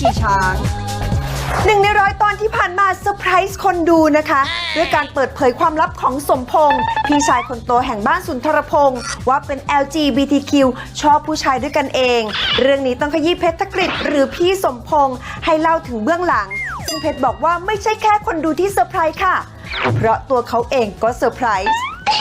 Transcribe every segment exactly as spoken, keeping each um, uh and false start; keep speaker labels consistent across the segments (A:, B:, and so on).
A: ฉี่ช้างหนึ่งในร้อยตอนที่ผ่านมาเซอร์ไพรส์คนดูนะคะด้วยการเปิดเผยความลับของสมพงษ์พี่ชายคนโตแห่งบ้านสุนทรพงษ์ว่าเป็น แอล จี บี ที คิว ชอบผู้ชายด้วยกันเองเรื่องนี้ต้องขยี้เพชรธกฤษหรือพี่สมพงษ์ให้เล่าถึงเบื้องหลังซึ่งเพชรบอกว่าไม่ใช่แค่คนดูที่เซอร์ไพรส์ค่ะเพราะตัวเขาเองก็เซอร์ไพรส์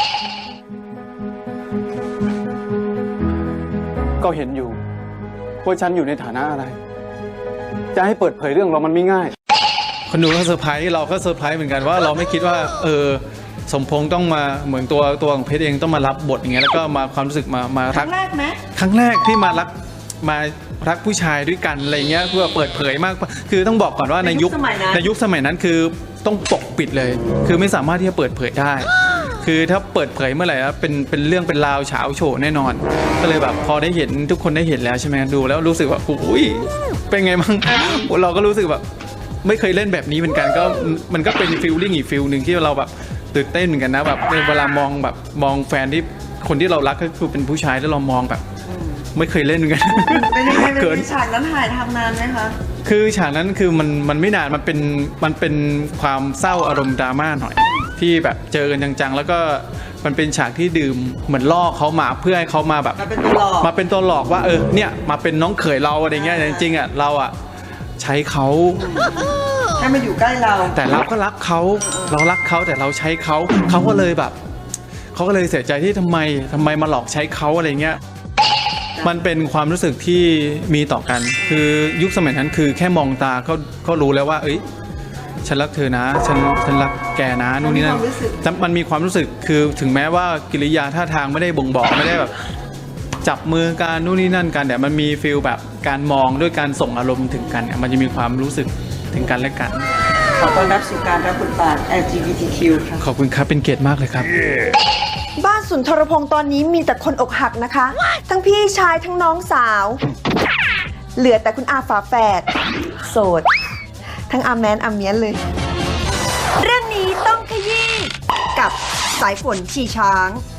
B: ก็เห็นอยู่ว่าฉันอยู่ในฐานะอะไรจะให้เปิดเผยเรื่องเรามันไม่ง่าย
C: คนดูก็เซอร์ไพรส์เราก็เซอร์ไพรส์เหมือนกันว่าเราไม่คิดว่าเออสมพงษ์ต้องมาเหมือนตัวตัวของเพชรเองต้องมารับบทอย่างเงี้ยแล้วก็มาความรู้สึกมามารักครั้งแรกไหมครั้งแรกที่มารักมารักผู้ชายด้วยกันอะไรเงี้ยเพื่อเปิดเผยมากคือต้องบอกก่อนว่าในยุคในยุคสมัยนั้นคือต้องปกปิดเลยคือไม่สามารถที่จะเปิดเผยได้คือถ้าเปิดเผยเมื่อไหร่แล้วเป็นเป็นเรื่องเป็นราวเฉาโฉแน่นอนก็เลยแบบพอได้เห็นทุกคนได้เห็นแล้วใช่ไหมดูแล้วรู้สึกว่าอุ้ยเป็นไงบ้างเราก็รู้สึกแบบไม่เคยเล่นแบบนี้เหมือนกันก็มันก็เป็นฟีลลิ่งอีกฟีลหนึ่งที่เราแบบตื่นเต้นเหมือนกันนะแบบเวลามองแบบมองแฟนที่คนที่เรารักก็คือเป็นผู้ชายแล้วเรามองแบบไม่เคยเล่นเหมือนกัน
A: เป็นยังไงเป็นฉากนั้นถ่ายทำนานไหมคะ
C: คือฉากนั้นคือมันมันไม่นานมันเป็นมันเป็นความเศร้าอารมณ์ดราม่าหน่อยที่แบบเจอกันจังๆแล้วก็มันเป็นฉากที่ดื่มเหมือนล่อเขามาเพื่อให้เขามาแบบ
A: มาเป็นตัวหลอก
C: มาเป็นตัวหลอกว่าเออเนี่ยมาเป็นน้องเขยเราอะไรเงี้ยจริงๆอ่ะเราอ่ะใช้เขา
A: ให้มาอยู่ใกล้เรา
C: แต่เราก็รักเขาเรารักเขาแต่เราใช้เขาเขาก็เลยแบบเขาก็เลยเสียใจที่ทำไมทำไมมาหลอกใช้เขาอะไรเงี้ยมันเป็นความรู้สึกที่มีต่อกันคือยุคสมัยนั้นคือแค่มองตาก็ก็รู้แล้วว่าเอ้ยฉันรักเธอนะฉันฉันรักแกนะนู่นนี่นั่นมันมีความรู้สึกคือถึงแม้ว่ากิริยาท่าทางไม่ได้บ่งบอกไม่ได้แบบจับมือกันนู่นนี่นั่นกันแต่มันมีฟีลแบบการมองด้วยการส่งอารมณ์ถึงกันมันจะมีความรู้สึกถึงกันและกัน
A: ขอต้อนรับสู่การรับบทบาท แอล จี บี ที คิว ค่ะ
C: ขอบคุณครับเป็นเกียรติมากเลยครับ
A: บ้านสุนทรพงษ์ตอนนี้มีแต่คนอกหักนะคะทั้งพี่ชายทั้งน้องสาวเหลือแต่คุณอาฝาแฝดโสดทั้งอาแมนอาเมียนเลยเรื่องนี้ต้องขยี้กับสายฝนชีช้าง